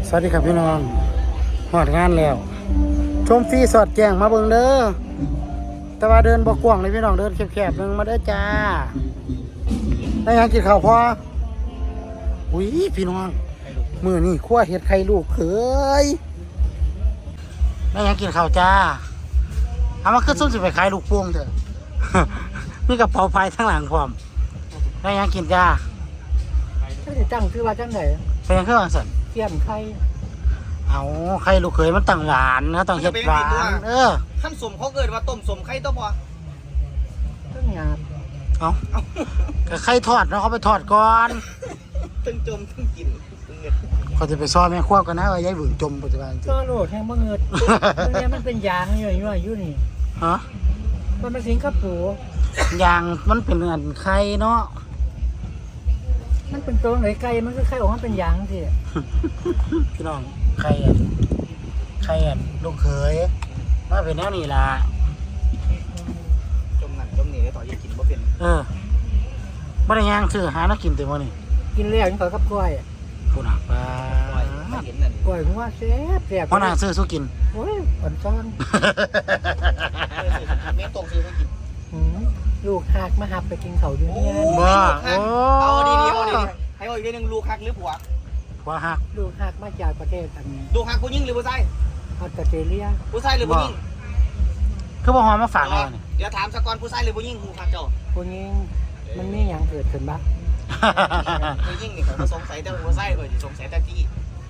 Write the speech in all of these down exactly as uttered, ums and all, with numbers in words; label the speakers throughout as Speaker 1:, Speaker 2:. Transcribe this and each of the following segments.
Speaker 1: สวัสดีครับพี่น้องหอดงานแล้วชมฟรีสอดแจ้งมาเบิ่งเด้อแต่ว่าเดินบ่กว้างเลยพี่น้องเดินแคบๆนึงมาเด้อจ้าได้ยังกินข้าวพออุ้ยพี่น้องมื้อนี้คั่วเห็ดไข่ลูกเขยได้ยังกินข้าวจ้าเอามาขึ้นส้มสิไปขายลูกโป่งเถอะ มีกระเป๋าพายทั้งหลังพร้อมได้ยังกินจ้า
Speaker 2: ก็จะตั้งชื่อว่าจังไหน
Speaker 1: เป็นยังเครื่องสัน
Speaker 2: เทียมไข่
Speaker 1: เอาไข่ลูกเขยมันตั้งหวานเขาต้องเฮ็ดหวานเออ
Speaker 3: ขั้นสมเขาเกิดว่าต้มสมไข่ต้มพอ
Speaker 2: เครื่องหยาบ
Speaker 1: เอาก็ไข่ทอดเนาะเขาไปทอดก่อน
Speaker 3: ตึงจมตึงกินตึงเงิน
Speaker 1: เขาจะไปซ้อมแม่ควบกันนะว่ายายหวึงจมปัจจุบันจริง
Speaker 2: ก็โหลดแห้งมะเงิดตรงนี้มันเป็นยางอยู่อยู่อยู่นี่
Speaker 1: ฮะ
Speaker 2: มันเป็นสิงคโปร์
Speaker 1: ยางมันเป็นอันไข่เนาะ
Speaker 2: มันเป็นตัวไหนไก่มันก็ไข่ออกมาเป็นยางสิ
Speaker 1: พี่น้องไข่อันไข่อันลูกเขยมาเป็นแนวนี้ล่ะ
Speaker 3: จมนั่นจมนี่ได้ต่อยังกินบ่เป็น
Speaker 1: เออบ่ได้ย่างซื้อหาแล้วกินเต็มมื้อนี่
Speaker 2: กินแล้วยังขอกับกล้วย
Speaker 1: ผู้น่ะปลา
Speaker 3: ปล่อยไม่เห็นนั่น
Speaker 2: กล้วยหัวแซ่บแซ่บ
Speaker 1: พ่อน่ะซื้อสู้กิน
Speaker 2: โอ้ยอ่อนซ้อน
Speaker 3: เมตรงซื้อให้กิน
Speaker 2: หืมลูกหักมาหับไปกินเขาอยู่เนี่ย
Speaker 1: บ่โอ้
Speaker 3: เอาดีๆเอาดีๆให้เอาอีกเรื่องนึงลูกฮักหรือผัว
Speaker 1: ผัวหัก
Speaker 2: ลูกหักมาจากประเทศอัน
Speaker 3: ลูกฮักผู้หญิงหรือผู้ชาย
Speaker 2: ออสเตรเลีย
Speaker 3: ผู้ชายหรือผู้หญิง
Speaker 1: คือบ่หอมมาฝากเรานี่
Speaker 3: เดี๋ยวถามสกอนผู้ชายหรือผู้หญิงลูกฮักเจ้า
Speaker 2: คนนี้มันมีอย่างเกิดขึ้นบ้าง
Speaker 3: ผู้หญิงนี่เขาสงสัยแต่ผู้ชายเออสงสัยแต่ที่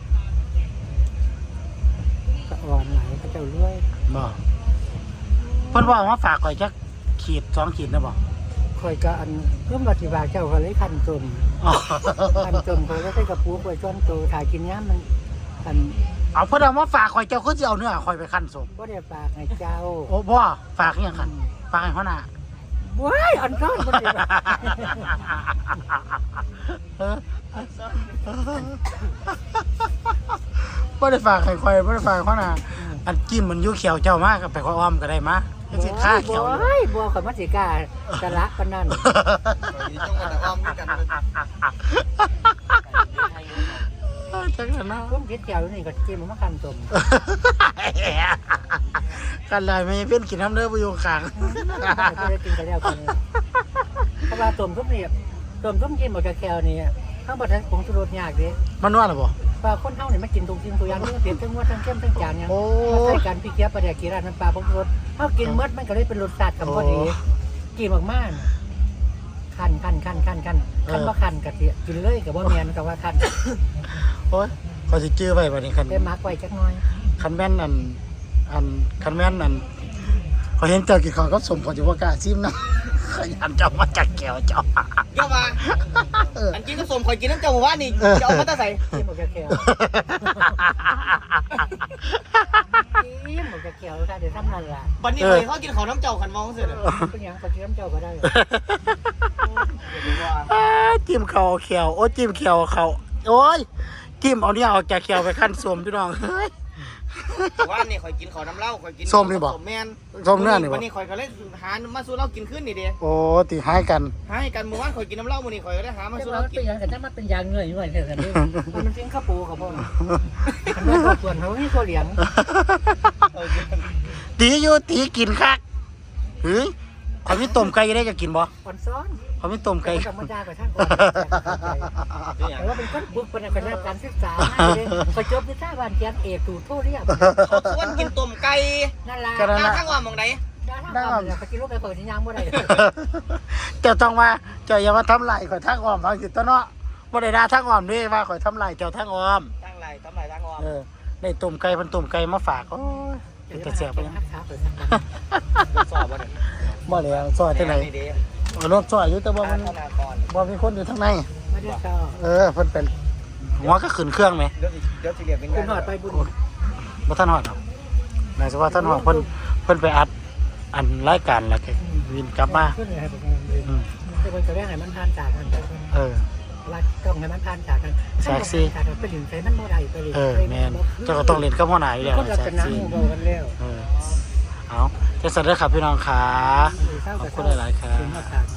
Speaker 2: สะอ่อนไหลเขาเจ้าเลื่อย
Speaker 1: บ่เพิ่นว่ามาฝากข่อยจักขีดสองขีดนะบ่
Speaker 2: คอยก็อันเพิ่มปฏิบัติเจ้าเขาเลยคันจน
Speaker 1: อ๋อ
Speaker 2: คันจนเขาก็ใส่กระปุกไว้จนโตถ่ายกินย้ำมันคัน
Speaker 1: เอาเพิ่นเอามาฝากข่อยเจ้าคือสิเอาเนื้อข่อยไปคั่นสม
Speaker 2: บ่ได้ฝากให้เจ้า
Speaker 1: โอ้บ่ฝากอิหยังคั่นฝากให้หัวหน้า
Speaker 2: ว้ายอันซ้อนบ่ได้ฝาก
Speaker 1: เออบ่ได้ฝากให้ข่อยบ่ได้ฝากให้หัวหน้าอันจิ้มมันอยู่เขียวเจ้ามากก็ไปข่อยอ้อมก็ได้มาจังสิค่าเขียวอยู่
Speaker 2: ว้ายบ่ข่อยมาสิกล้ากะละปานนั้น
Speaker 3: จ้องกันแต่อ้อมด้วยกัน
Speaker 1: จังนั้นนะ
Speaker 2: ผมคิดเจ้าอยู่นี่ก็จิ้มมาคันจม
Speaker 1: กันเลยไม่เป็นกินน้ำเด้อบ่อยู่ข้าง
Speaker 2: บ่ได้กินกันแล้วกันเพราะว่าต้มทุกนี่ต้มทุกกินหมดกะแคลนี่ข้างบ่ทันผงชูรสยากเด้
Speaker 1: มันนวดหรอบ่
Speaker 2: ปลาคนเฮานี่มันกินตรงกินตัวอย่างนี้เปลี่ยนทั้งงวดทั้งเข้มทั้งจานหยัง
Speaker 1: โอ้
Speaker 2: มาใส่กันพี่เกี๊ยวปลาแดกกีราดน้ำปลาผงชูรสเฮากินหมดมันก็เลยเป็นรสชาติกับพอดีกินมากๆคันคันคันคันคันคันบ่คันก็สิกินเลยก็บ่แม่นก็ว่าคัน
Speaker 1: โอ้ยเขาสิจื้อไว้บัดนี้คัน
Speaker 2: ได้มักไว้จักหน่อย
Speaker 1: คันแม่นอันอันคันแม่นอันเขาเห็นเจ้ากินข้าวกับสมเขาจะว่ากล้าซิมนะ ขยันเจ้ามาจากแก้วเจ้า
Speaker 3: เยอะมาอันกินก็สมคอยกินน้ำเจ้าหมู่บ้านนี่จะเอามาตะใส่
Speaker 2: กินหมดกะแคลกินหมดกะแคลค่ะเดี๋ยวทำนั่นล่ะ
Speaker 3: วันนี้เลยเขากินของน้ำเจ้าขันมองเสร็จเลย
Speaker 2: เป็นหยังก็กินน้ำเจ้าก็ได้
Speaker 1: อ้าจิ้มเข่าเขียวโอ้จิ้มเขียวเขาโอ้ยจิ้มเอาเนี่ยออกจากเขียวไปขั้นสมพี่น้องเฮ้ย
Speaker 3: ว่านี่คอยกินของน้ำเหล้าคอยกิน
Speaker 1: ส้มนี่บ่
Speaker 3: ส้มแมน
Speaker 1: ส้มเนื้อนี่บ่
Speaker 3: วันนี้คอยก็เลยหามาสู้เหล้ากินขึ้นนี่เด้
Speaker 1: โอ้ตีให้กัน
Speaker 3: ให้กันเมื่อวานคอยกินน้ำเหล้ามื้อนี้คอยก็เลยหามา
Speaker 2: แต่
Speaker 3: สู้
Speaker 2: ว่า
Speaker 3: เหล้า
Speaker 2: มัน
Speaker 3: กิ
Speaker 2: เป็น
Speaker 3: น
Speaker 2: หยังกันถ้ามันเป็นยางเงื่อยเงื่อยแค่นั้นเองมันเป็นข้าวปูกับพ่อมันเป็นส่วนเขาที่ตัวเหลียง
Speaker 3: เออ
Speaker 1: ตีอยู่ตีกินคักเฮ้ยเขามีต้มไก่ได้จะกินบ่
Speaker 2: อ่อนซ้อน
Speaker 1: เขามีต้มไก่
Speaker 2: ธรรมดากับช่างก่อนแต่ว่าเป็นคนบุกเป็นคนได้การศึกษาไปจบวิชาการเรียนเอกถูกโทษเรียบ
Speaker 3: เขาชวนกินต้มไก่
Speaker 2: นั่นล่ะ
Speaker 3: หน้าข้างว่าหมองไหน
Speaker 2: ได้ทำเลยเขากินลูกไก่เปิดที่ยางบ่ได้
Speaker 1: เจ้าต้องว่าเจ้าอย่ามาทำลายข่อยทางอ้อมบางสิตัวเนาะบ่ได้ด่าทางอ้อมเด้ว่าข่อยทำลายเจ้าทางอ้อม
Speaker 3: ตั้งไรทำไรตั้งออม
Speaker 1: เออได้ต้มไก่เพิ่นต้มไก่มาฝากโอ้ยเป็นตาแซ่บไป
Speaker 2: หักขาเปิดสักกัน
Speaker 3: เป็นสอบบ่เนี่ย
Speaker 1: บ่แล้วซอยจังได๋
Speaker 3: นี่เด้
Speaker 1: เอารถซอยอยู่แต่ว่ามัน
Speaker 3: ธนากร
Speaker 1: บ่มีคนอยู่ทางใน
Speaker 2: ไม่ได้ชอบ
Speaker 1: เออเพิ่นเป็นหัวก็ขึ้นเครื่องไหม
Speaker 3: เดี๋ยวสิเดี๋ยวสิเรียกเป็น
Speaker 2: คุ
Speaker 3: งา
Speaker 2: ณ
Speaker 3: น
Speaker 2: หอดไปบุญ
Speaker 1: บ่ทันฮอดหรอกนายสิว่าทันฮอดเพิ่นเพิ่นไปอัดอันรายการแล้วก็วินกลับมา
Speaker 2: ขึ้นเลยให้ผมอืมแต่คนจะได้ให้มันผ่านจากกัน
Speaker 1: เออ
Speaker 2: รัดต้องให้มันผ่านจากกันไปหลิงใส่มันโมได้ไปหลิง
Speaker 1: เออแม่นเจ้าก็ต้องเล่นกับหัวหน้าอยู่แล้ว
Speaker 2: คนเรา
Speaker 1: แซ่
Speaker 2: เป็น
Speaker 1: บ
Speaker 2: น้ำ
Speaker 1: ซี
Speaker 2: มูกกันแล้ว
Speaker 1: เออเอาจังซั่นเด้อครับพี่น้องขาขอบคุณหลายๆครับ
Speaker 2: ถึงมาจาก